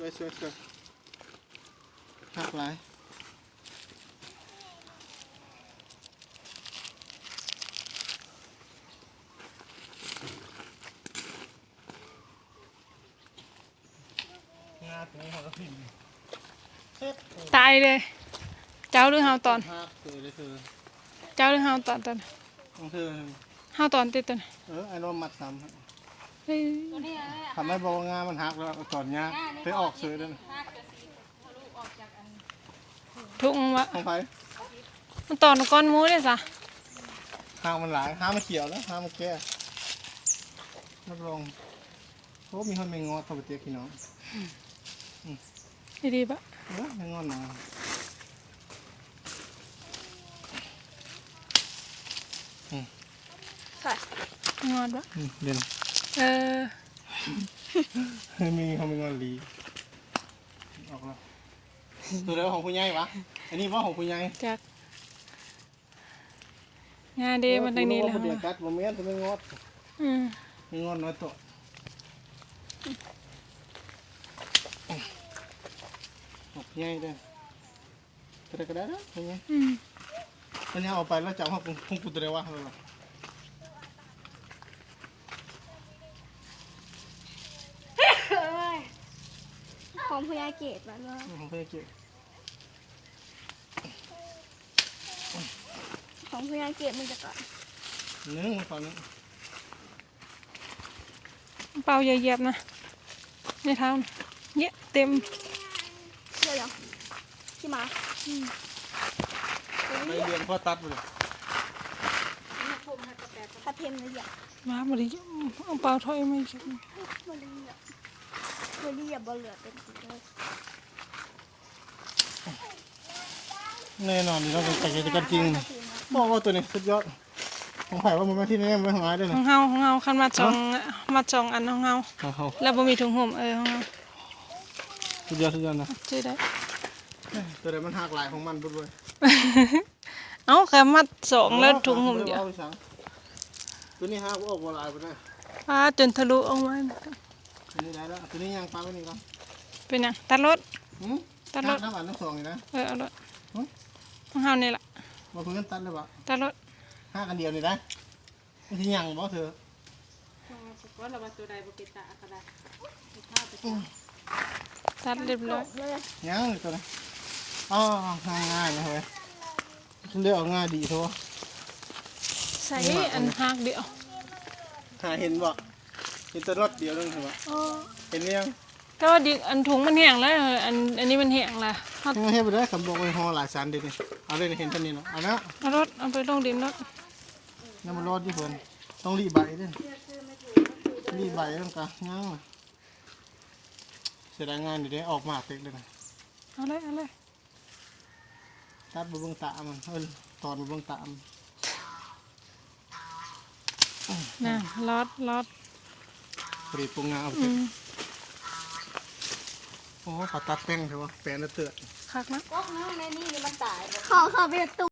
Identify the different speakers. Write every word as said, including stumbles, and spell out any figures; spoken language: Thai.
Speaker 1: วยสวยสวยหักหลายงาตัวนี้เขาก็พิมพ์
Speaker 2: ตายเลยเจ้าหรือเฮาตอน
Speaker 1: หักเธอเลยเธอ
Speaker 2: เจ้าหรือเฮาตอนตอน
Speaker 1: ของเธอ
Speaker 2: เฮาตอนติดตอน
Speaker 1: เออไอ้นมมัดซ้ำ
Speaker 2: เฮ้ย
Speaker 1: ทำให้บอกงามันหักแล้วตอนเนี้ยไปออกซื้อด้วย
Speaker 2: ทุ่งวะ
Speaker 1: ของใคร
Speaker 2: มันตอนก้อนหมูเลยสะ
Speaker 1: ห้างมันหลายห้างมันเขียวแล้วห้างมันแก่รับรองโอ้มีคนไม่งอดเข้าไปเตี้ยพี่น้อง
Speaker 2: ดีดีปะ
Speaker 1: เออไม่งอดนะ
Speaker 2: ใส่งอนปะ
Speaker 1: เด่น
Speaker 2: เออ
Speaker 1: มีเขาไม่งอดลีออกแล้วตัวเดียวของคุณยายวะอันนี้ว่าของคุณยาย
Speaker 2: จักงานดีมันตรงนี้แล้ว
Speaker 1: เดี๋ยวกัดโมเมนต์จะไม่งอด
Speaker 2: อืม
Speaker 1: ไม่งอดน้อยตัวของคุณยายด้วยตัวเดียวก็ได้แล้วคุณยาย
Speaker 2: อืม
Speaker 1: อันนี้เอาไปแล้วจับห้องห้องกูตัวเดียววะ
Speaker 3: ของพยาเกตมันว่า
Speaker 1: ของพยาเกต
Speaker 3: ของพยาเกตมันจะก่อน
Speaker 1: เนื้อมันตอนนี้
Speaker 2: เป่าเหยียบๆนะในเท้าเยอะเต็ม
Speaker 3: เดี๋ยวที่มา
Speaker 1: ไม่เลี้ยงพ่อตัดเลย
Speaker 3: ถ้าเทมเลยอ่ะ
Speaker 2: มาบริเอาเป่าถ้อยไม่ใช่
Speaker 3: บริอ่ะบริอ่ะบอลเหลือเป็นสีเลย
Speaker 1: แน่นอนนี่เราเป็นแต่กิจกรรมจริงบอกว่าตัวนี้สุดยอดของไผ่ว่ามันไม่ที่นี่ไม่ของร้ายด้วยนะ
Speaker 2: ของเฮาของเฮาคันมาจองมาจองอันของเฮา
Speaker 1: ของเฮา
Speaker 2: แล้วบ่มีถุงห่มเออของเฮา
Speaker 1: สุดยอดสุดยอดนะ
Speaker 2: ชื่อได้
Speaker 1: ตัวเดียวมันหักหลายของมันบุญเลย
Speaker 2: เอ้าแค่มัดสองแล้วถุงห่มเดียว
Speaker 1: ตัวนี้หักออกบัวลายไปได้
Speaker 2: ปลาจนทะลุออกมา
Speaker 1: ตัวนี้ได้แล้วตัวนี้ยังปลาไม่นี่ก่อน
Speaker 2: เป็นยังตัดรถ
Speaker 1: ตัดรถน้ำหวานน้ำสองเลยนะ
Speaker 2: เออเอารถของเฮานี่แหละ
Speaker 1: มาเพิ่งตัดเลยปะ
Speaker 2: ตัดรถ
Speaker 1: ห้ากันเดียวเลยนะไม่ใช่ยังบ่เธอ
Speaker 2: ว่าเราตัวใดบุกิตะก็ได้ตัดเรียบร้อย
Speaker 1: ยังเลยตัวนี้อ๋อง่ายง่ายนะเฮ้ยเลือกง่ายดีทั่ว
Speaker 2: ใส่อันหักเดียว
Speaker 1: หาเห็นบ่เห็นตัวรถเดียวนึงเห็นบ่เห็นยัง
Speaker 2: ก็ว่าดิอันถุงมันแห้งแล้วอันอันนี้มันแห้งละ
Speaker 1: ไม่ให้ไปได้คำบอกไปห่อหลายชั้นดิเอาเลยเห็นตัวนี้เนาะเอาแล้ว
Speaker 2: เอารถเอาไปลงดินรถ
Speaker 1: น้ำมันรอดที่เพิ่นต้องรีบใบด้วยรีบใบต้องกะงั้งเสียดายงานอยู่ได้ออกมาเต็กเลยนะ
Speaker 2: เอาเลยเอาเลย
Speaker 1: ตัดบะเบิ้งตามันเออตอนบะเบิ้งตามัน
Speaker 2: น่ะรอดรอด
Speaker 1: ปรีปรุงงาเอาไปโอ้ขอตัดแป้งเถอะวะแป้งน่ะเตือน
Speaker 2: คักนะ
Speaker 3: ก๊อกน้ำในนี่มันตายขอขอไปตุ